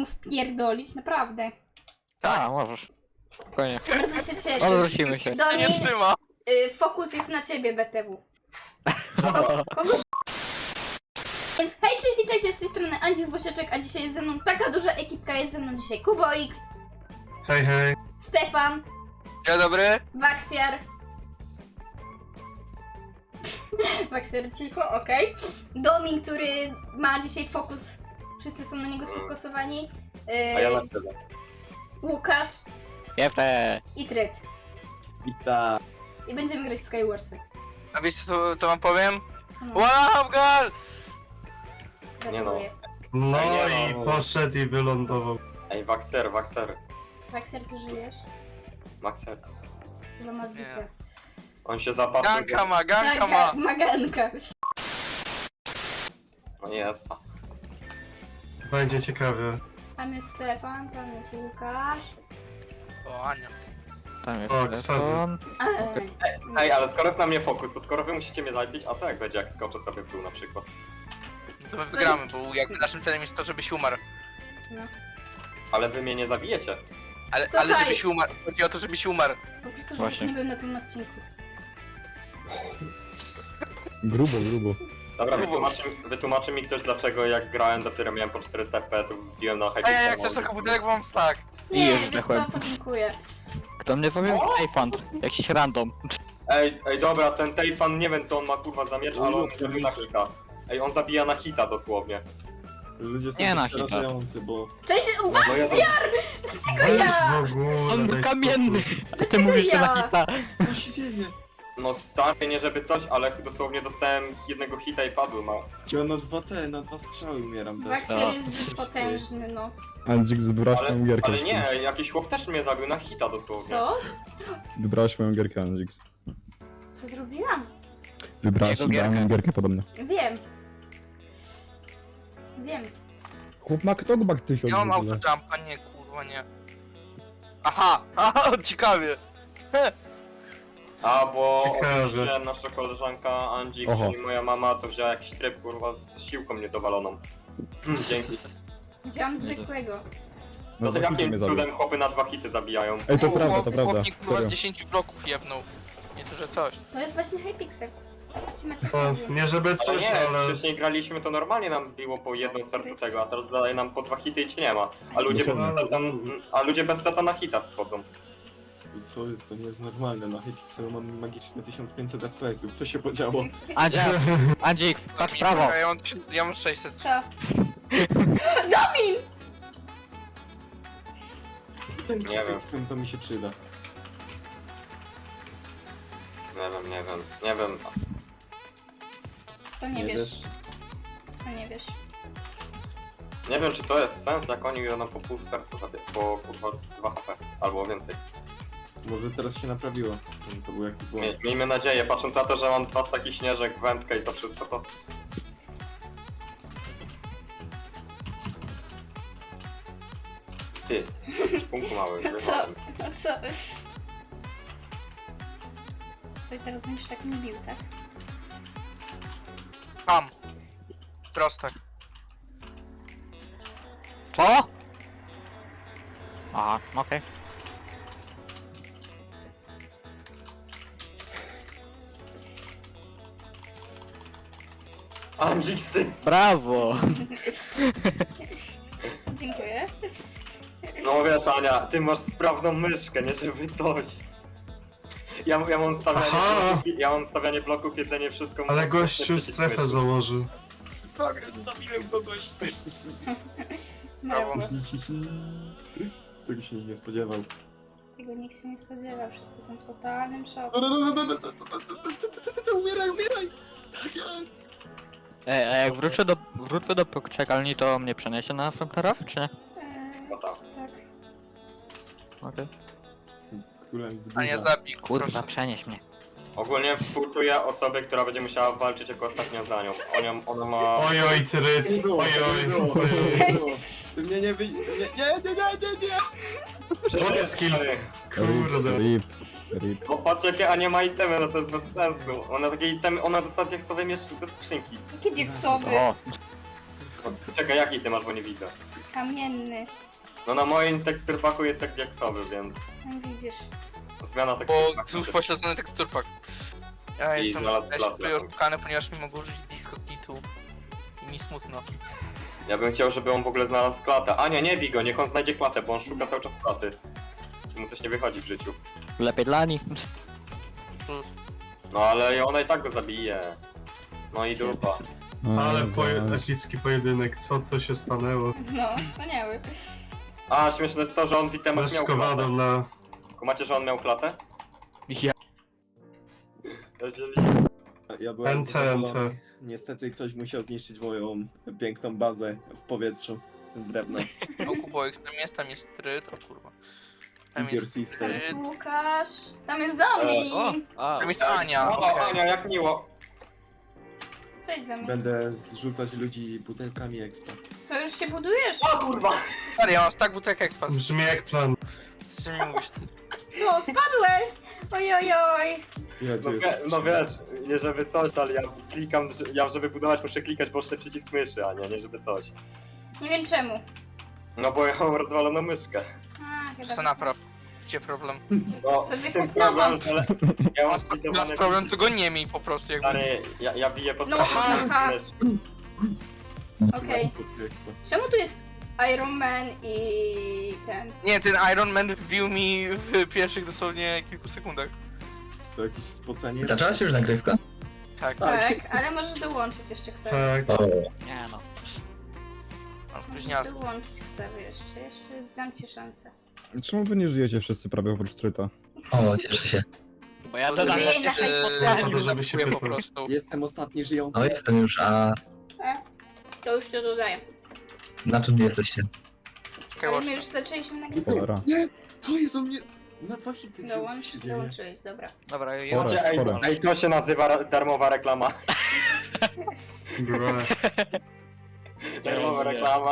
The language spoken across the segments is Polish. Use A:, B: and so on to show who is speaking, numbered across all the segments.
A: wpierdolić, naprawdę.
B: Tak, możesz. Spokojnie.
A: Bardzo się cieszę.
B: Odwrócimy się.
A: Doni,
C: Nie trzyma.
A: fokus jest na ciebie, BTW. Kogo? Więc hej, cześć, witajcie, z tej strony Andzik z Bosieczek, a dzisiaj jest ze mną taka duża ekipka, jest ze mną dzisiaj KuboX,
D: Hej, hej.
A: Stefan,
C: Dzień dobry.
A: Waxiar. Waxiar cicho, okej. Domin, który ma dzisiaj fokus, wszyscy są na niego sfokusowani.
E: A ja na tyle.
A: Łukasz
B: Jefte!
A: i Tryt.
E: Witam.
A: I będziemy grać w Skywarsy.
C: A wiecie co wam powiem?
A: No,
C: Wow, girl!
A: gratuluję.
D: No
E: Nie
D: i
E: no.
D: poszedł i wylądował.
E: Ej, Waxer.
A: Waxiar, ty żyjesz?
E: Maxer.
A: Chyba ma bite.
E: On się zapatrzył.
C: Ganka ma, ganka ma.
A: Maganka.
E: No jest.
D: Będzie ciekawie.
A: Tam jest Stefan, tam jest Łukasz.
C: O, Ania.
B: Tam jest
D: O,
B: telefon.
E: Ej, ale skoro jest na mnie fokus, to skoro wy musicie mnie zabić, a co jak będzie, jak skoczę sobie w dół na przykład?
C: No to my wygramy, bo jakby naszym celem jest to, żebyś umarł.
E: Ale wy mnie nie zabijecie.
C: Ale
A: Słuchaj.
C: żebyś umarł. Chodzi o to, żebyś umarł.
A: Po prostu, żebyś
B: Właśnie.
A: nie był na tym odcinku.
F: Grubo.
E: Dobra, wytłumaczy mi ktoś dlaczego jak grałem dopiero miałem po 400 FPS, wbiłem na
C: Ej,
E: Hypixel.
C: jak chcesz to komputerek wam tak.
B: I
A: Nie,
B: już
A: wiesz co,
B: zdechłem.
A: podziękuję.
B: Kto mnie powie? Ejfant. Jakiś random.
E: Ej, dobra, ten Tejfan nie wiem co on ma kurwa za miecz, ale on zabija na hita. Ej, on zabija na hita dosłownie.
F: Ludzie są
B: Nie na
F: przerażający, bo...
A: Cześć,
E: No ja
A: dlaczego ja?
D: w ogóle.
B: On był
D: daj
B: kamienny! A ty
A: Dlaczego
B: mówisz, że
A: ja?
B: na hita.
F: Co się dzieje?
E: No stary, nie żeby coś, ale dosłownie dostałem jednego hita i padłem, no.
F: Ja na dwa strzały umieram też.
A: Waxier jest zbyt potężny, no.
F: Andzik, wybrałeś
E: Ale,
F: moją gierkę.
E: ale nie, jakiś chłop też mnie zabił na hita dosłownie.
A: Co?
F: Wybrałeś moją gierkę, Andzik.
A: Co zrobiłam?
F: Wybrałeś
B: Jego gierkę.
F: moją gierkę podobnie.
A: Wiem. Wiem.
F: Chłop ma knockback 1000
C: Ja mam
F: w ogóle.
C: autojumpa, nie kurwa nie. Aha, ciekawie.
E: A, bo
D: Ciekawe.
E: oczywiście nasza koleżanka Andzik,
F: Oho.
E: czyli moja mama, to wzięła jakiś tryb kurwa z siłką niedowaloną. Dzięki.
A: Wziąłam zwykłego.
E: No to
F: za chwilę
E: jakim
F: mnie zabił.
E: cudem chłopy na 2 hity zabijają?
F: Ej, to prawda, to prawda.
C: Chłopnik kurwa z
F: Serio.
C: 10 bloków jebnął. Nie to, że coś.
A: To jest właśnie Hypixel.
D: O, nie żeby
E: Ale
D: coś,
E: nie,
D: ale...
E: wcześniej graliśmy to normalnie nam biło po jednym sercu tego, a teraz daje nam po 2 hity i cię nie ma. A ludzie bez seta na hita schodzą.
F: I co jest? To nie jest normalne. Na Hypixelu mam magiczne 1500 FPS-ów. Co się podziało?
B: Andzik, patrz w prawo.
C: Ja mam 600.
A: Co? Domin!
F: Ten
E: Nie wiem.
F: X-Pem to mi się przyda.
E: Nie wiem.
A: Co nie wiesz? Co nie wiesz?
E: Nie wiem czy to jest sens, jak oni nam po pół serca zabiją, po kurwa 2 HP, albo więcej.
F: Może teraz się naprawiło. To był jakiś błąd.
E: Miejmy nadzieję, patrząc na to, że mam 2 staki śnieżek, wędkę i to wszystko, to... Ty, punku mały,
A: No co?
E: wyrwałem.
A: No co? Co i teraz będziesz tak mnie bił, tak?
C: Tam. Prostak.
B: Co? Aha, okej.
E: Andzik, ty!
B: Brawo!
A: Dziękuję.
E: No wiesz Ania, ty masz sprawną myszkę, nie żeby coś. Ja mam stawianie
D: Aha.
E: bloków, ja mam stawianie bloków, jedzenie, wszystko.
D: Ale
E: mam
D: gościu
E: przycisk
D: strefę
E: myszy.
D: założył.
F: Zabiłem kogoś!
C: Brawo.
F: Tego się nie spodziewał.
A: Tego nikt się nie spodziewał, wszyscy są w totalnym szoku.
F: Umieraj! Tak jest!
B: Ej, a jak wrócę do poczekalni, to mnie przeniesie na następny raf, czy nie?
E: No tak.
A: Tak.
B: Okej.
F: Jestem królem z
C: Ania
F: górza.
C: zabij,
B: Kurwa,
C: proszę.
B: przenieś mnie.
E: Ogólnie współczuję osobie, która będzie musiała walczyć jako ostatnią za nią. Ona ma...
D: Ojoj, Tryt,
F: Nie było,
D: ojoj,
F: nie było,
D: ojoj.
F: nie było. Ty mnie nie wy... Nie!
D: Water skill. Kurde.
F: Rip. Rip.
E: Bo patrz jakie Ania ma itemy, no to jest bez sensu. Ona takie itemy, ona dostała jak sobie miesz ze skrzynki.
A: Jakie diaksowy.
B: O,
E: Czekaj, jaki ty masz, bo nie widzę.
A: Kamienny.
E: No na moim teksturpaku jest jak diaksowy, więc
A: No widzisz.
E: zmiana
C: Bo
E: teksturpaku.
C: znów pośledzony teksturpak. Ja
E: I
C: jestem
E: znalazł
C: też
E: klatę.
C: tutaj oszukany, ponieważ nie mogę użyć diskognitu. I mi smutno.
E: Ja bym chciał, żeby on w ogóle znalazł klatę. Ania, nie bij go, niech on znajdzie klatę, bo on szuka cały czas klaty. I mu coś nie wychodzi w życiu.
B: Lepiej dla nich.
E: No ale ona i tak go zabije. No i dupa.
D: Ale epicki pojedynek, co to się stanęło?
A: No, wspaniały.
E: A, śmieszne jest to, że on w itemach miał klatę.
D: Leszkowadą na...
E: Kumacie, że on miał klatę?
B: Ja.
E: Jeżeli...
F: Ja byłem
D: NT.
F: zadowolony. Niestety ktoś musiał zniszczyć moją piękną bazę w powietrzu z drewna.
C: O kupo ekstremist, tam jest tryt, o kurwa. Tam
F: Is your
C: jest
F: sister.
A: Tam jest Łukasz. Tam jest Domin.
C: Tam jest Ania,
E: O,
C: okej.
E: Ania, jak miło.
A: Cześć Domin.
F: Będę zrzucać ludzi butelkami expa.
A: Co, już się budujesz?
E: O kurwa!
C: Stary, ja mam tak butelek ekspat.
D: Brzmi jak plan.
C: Z czym mi mówisz?
A: Co, spadłeś? Ojojoj.
F: Ile tu
E: No,
F: jest?
E: no wiesz, nie żeby coś, ale ja klikam, ja żeby budować muszę klikać boczny przycisk myszy, a nie żeby coś.
A: Nie wiem czemu.
E: No bo ja mam rozwaloną myszkę.
A: A, chyba.
C: Co napraw? Gdzie problem?
E: No,
A: Sobie
E: z tym
A: kup nową.
E: problem, że ja mam
C: Masz
E: zbudowane
C: problem, to go nie miej po prostu jakby.
E: Stary, ja biję pod
A: No,
E: trafem
A: aha.
E: mysz.
A: Okej.
F: Expa.
A: Czemu tu jest Iron Man i ten?
C: Nie, ten Iron Man wbił mi w pierwszych dosłownie kilku sekundach.
F: To jakieś spocenie.
G: Zaczęła się już nagrywka?
C: Tak,
A: Tak, ale możesz dołączyć jeszcze Ksawy.
D: Tak.
G: O,
B: Nie no.
C: mam spóźnialski.
A: Dołączyć Ksawy jeszcze dam ci szansę.
H: Czemu wy nie żyjecie wszyscy prawie oprócz Tryta?
G: o, cieszę się.
B: Bo ja
C: Bo
B: zadam
A: Jej, na hajs
D: po żeby się
C: po
D: pytał.
C: prostu.
F: Jestem ostatni żyjący.
G: No jestem już, a
A: To już to dodaję.
G: na czym jesteście?
C: Czekaj,
A: Ale my
C: watch.
A: już zaczęliśmy nagrywać.
H: Cholera.
F: Nie! Co jest o mnie? Na 2 hity, co
A: Dołącz,
F: się dzieje?
A: dołączyłeś, dobra.
C: Dobra, ja
H: Pora.
E: Ej, to się nazywa darmowa reklama.
D: Bro.
E: Darmowa reklama.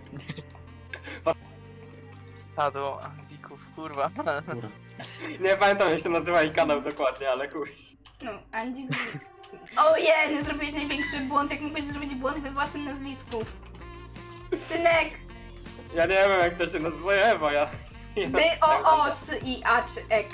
C: do Anglików, kurwa.
F: Dobra.
E: Nie pamiętam jak się nazywa jej kanał dokładnie, ale kur...
A: No, Andzik. Ojej, zrobiłeś największy błąd, jak mógłbyś zrobić błąd we własnym nazwisku. Synek,
E: Ja nie wiem jak to się nazywa, bo ja...
A: by o s i a czy ek.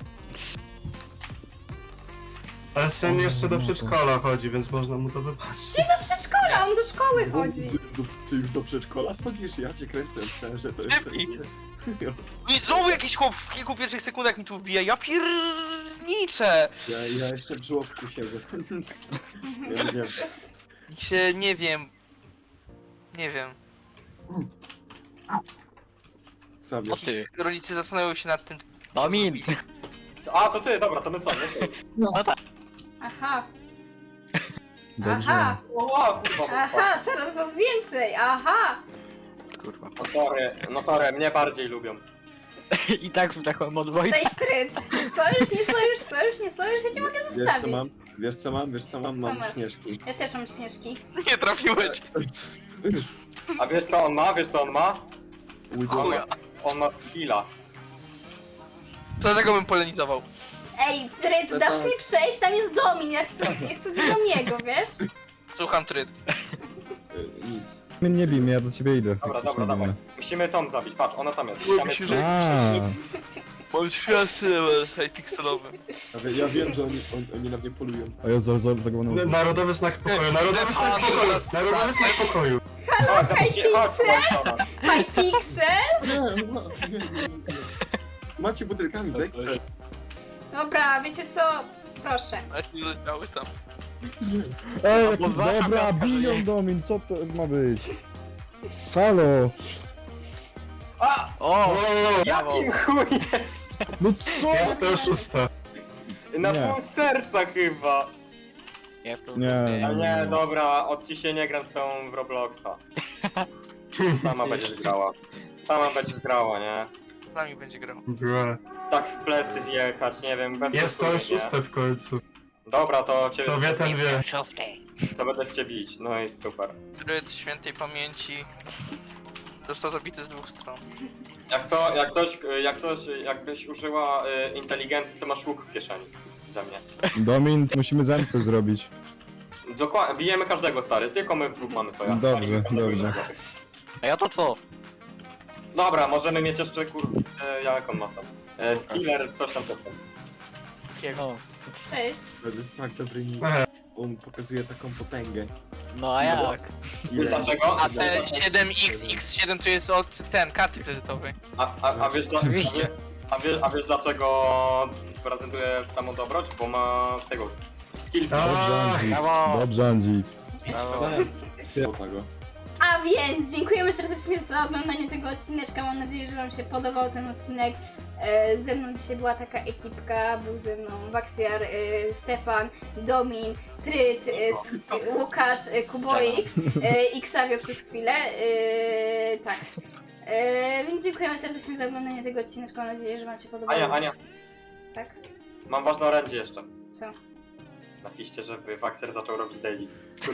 D: Ale syn jeszcze do przedszkola chodzi, więc można mu to wybaczyć.
A: Do przedszkola, on do szkoły chodzi.
F: Ty już do przedszkola chodzisz? Ja cię kręcę, myślałem, że to jeszcze
C: Lepiej.
F: jest...
C: I znowu jakiś chłop w kilku pierwszych sekundach mi tu wbija, ja pierniczę!
F: Ja jeszcze w żłobku siedzę. Ja nie wiem.
C: Się nie wiem. Nie wiem.
F: Xavier.
B: O ty.
C: Rodzice zastanawiają się nad tym.
B: Domin.
E: A, to ty, dobra, to my są, my są.
A: Aha,
H: Dobrze.
A: aha,
E: O, kurwa,
A: aha, coraz was więcej, aha.
B: Kurwa.
E: No sorry, mnie bardziej lubią.
B: I tak wdechłem od Wojtka.
A: Cześć Tryt. Sojusz, nie sojusz, sojusz, nie sojusz, ja cię mogę
F: Wiesz co
A: zostawić.
F: mam? Wiesz co mam? Wiesz co mam?
A: Co
F: Mam
A: masz?
F: śnieżki.
A: Ja też mam śnieżki.
C: Nie trafiłeś!
E: A wiesz co on ma? Wiesz co on ma?
C: Chuja.
E: On ma skilla.
C: To tego bym polenizował.
A: Ej, Tryt, dasz mi przejść? Tam jest Domin, ja chcę do niego, wiesz?
C: Słucham tryt.
F: Nic.
H: Nie bij mnie, ja do ciebie idę.
E: Dobra,
H: Jak
E: dobra,
H: coś nie
E: dawaj.
H: wiem.
E: Musimy Tom zabić, patrz, ona tam jest. Tam jest...
C: Mam światły pikselowy.
F: Ja wiem, że oni na mnie polują.
H: A ja zaglądam.
D: Narodowy znak pokoju, narodowy znak pokoju, narodowy znak pokoju.
E: Chodź, chodź,
A: Hi Pixel?
F: Nie. Macie butelkami z ekstra.
A: Dobra, wiecie co? Proszę.
C: A nie leciały tam.
H: Ej, jaki
B: Podważam
H: dobra,
B: piątka, że
H: bilion
B: nie.
H: Domin, co to ma być? Halo!
B: O!
E: Jakim chujem?
H: No co?
D: Jest to oszusta.
E: Na
H: Nie.
E: pół serca chyba.
B: Ja w to
H: Nie.
E: A nie, dobra, od ci się nie gram z tą w Robloxa. Sama będziesz grała. Sama będziesz grała, nie?
C: Z nami będzie grał.
D: Bro.
E: Tak w plecy wjechać, nie wiem, bez
D: Jest to
E: koszuli,
D: oszusta w końcu.
E: nie? Dobra, to cię...
D: To wie ten wie.
E: To będę w cię bić, no i super.
C: Tryt świętej pamięci. Został zabity z dwóch stron.
E: Jakbyś użyła inteligencji, to masz łuk w kieszeni. Ze mnie.
H: Domin, musimy zemstę zrobić.
E: Dokładnie, bijemy każdego, stary, tylko my w dwóch mamy soja.
H: Dobrze,
E: Walimy każdego
H: dobrze.
E: innego.
B: A ja to co?
E: Dobra, możemy mieć jeszcze jak on ma tam? Skiller, coś tam.
B: No,
A: Cześć.
F: To jest tak dobry nick. On pokazuje taką potęgę.
B: no a jak?
E: Dlaczego?
C: A te 7XX7 to jest od karty kredytowej.
E: A wiesz,
B: Oczywiście.
E: a wiesz dlaczego prezentuje samą dobroć? Bo ma tego skill.
H: Dobrze, Andzik.
B: Brawo.
H: Dobrze, Andzik.
B: Brawo.
F: Tego.
A: A więc dziękujemy serdecznie za oglądanie tego odcineczka. Mam nadzieję, że wam się podobał ten odcinek. Ze mną dzisiaj była taka ekipka. Był ze mną Waxiar, Stefan, Domin, Tryt, Łukasz, Kuboik i Xavio przez chwilę. Tak. Więc dziękujemy serdecznie za oglądanie tego odcineczka. Mam nadzieję, że wam się podobało.
E: Ania,
A: Tak?
E: mam ważne orędzie jeszcze.
A: Co?
E: Napiszcie, żeby Waxer zaczął robić daily.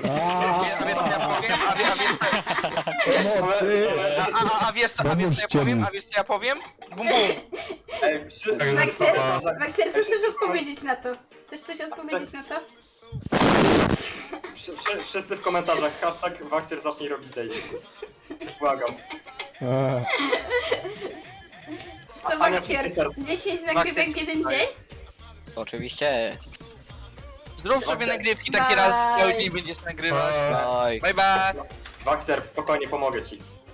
H: Pomocy!
C: A wiesz co ja powiem? A wiesz co ja powiem? Bum bum!
E: Ej,
A: Waxer, co chcesz odpowiedzieć na to? Chcesz coś odpowiedzieć na to?
E: wszyscy w komentarzach hashtag Waxer zacznij robić daily. Błagam.
H: A,
A: Co
E: Ania,
A: Waxiar?
E: wszyscy ser-
A: 10 nagrywek w jeden dzień?
B: Oczywiście.
C: Zrób sobie nagrywki taki raz, cały dzień będziesz nagrywać.
B: Oj.
C: Bye bye!
E: Waxer, spokojnie, pomogę ci.